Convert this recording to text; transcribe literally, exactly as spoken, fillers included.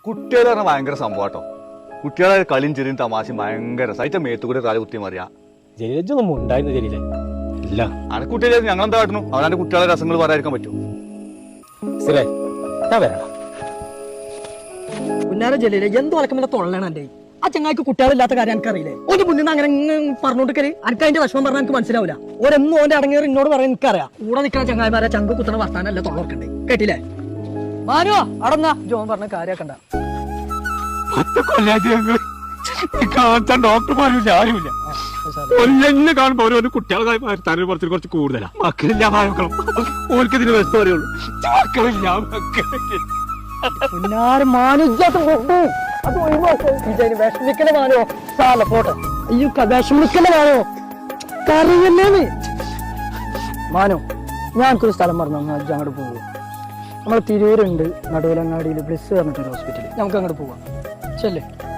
കുട്ടികൾ പറഞ്ഞാൽ ഭയങ്കര സംഭവട്ടോ. കുട്ടികളെ കളിയും ചെറിയും തമാശയും ഭയങ്കര സൈറ്റ മേത്തുകൂടെ തല കുത്തി മറിയാ. ജലീലൊന്നും ഉണ്ടായിരുന്നു ജലീലെ ഇല്ല. അനക്ക് കുട്ടികളെ ഞങ്ങൾ എന്താ കാട്ടുന്നു? അവനാന്റെ കുട്ടികളെ രസങ്ങൾ പറയാതിരിക്കാൻ പറ്റും. സ്ഥിരേ ഞാൻ വരണം. പുന്നാര ജലീലെ എന്തോ അലക്കമില്ല തൊള്ളാണ് എന്റെ. ആ ചങ്ങായിക്ക് കുട്ടികളില്ലാത്ത കാര്യം എനിക്കറിയില്ലേ? ഓന്റെ മുന്നിൽ നിന്ന് അങ്ങനെ പറഞ്ഞോണ്ടിരിക്കല് എനിക്ക് അതിന്റെ വിഷമം പറഞ്ഞാൽ എനിക്ക് മനസ്സിലാവില്ല. ഓരെന്നും ഓന്റെ അടങ്ങിയവർ എന്നോട് പറയാൻ എനിക്കറിയാം. കൂടെ നിൽക്കുന്ന ചങ്ങായിമാരെ ചങ്ക് കുത്തണ വർത്താനല്ല തൊള്ളർക്കണ്ടേ. കേട്ടില്ലേ? മാനോ അടങ്ങ ജോൻ പറഞ്ഞ കാര്യാക്കണ്ട. ഡോക്ടർമാരില്ല ആരുമില്ല. കൊല്ലെന്നെ കാണുമ്പോ ഓരോ കുട്ടികളെ തല കുറച്ച് കുറച്ച് കൂടുതലാ. മക്കളില്ല മക്കളും ഓർക്ക് ഇതിന് വ്യസ്ത പറയുള്ളൂ. മക്കളില്ല മക്കളില്ല. പുന്നാര് മാനുജാത്ത അത് വിഷമിക്കണ മാനോ സാല പോട്ടെ. അയ്യോ വിഷമിക്കണ മാനോ കറിയല്ലേന്ന്. മാനോ ഞാനൊരു സ്ഥലം പറഞ്ഞു അങ്ങോട്ട് പോകും. നമ്മളെ തിരൂരുണ്ട് നടുവിലങ്ങാടിയിൽ ബ്ലിസ് പറഞ്ഞിട്ടൊരു ഹോസ്പിറ്റൽ. നമുക്ക് അങ്ങോട്ട് പോവാം. ചെല്ലേ.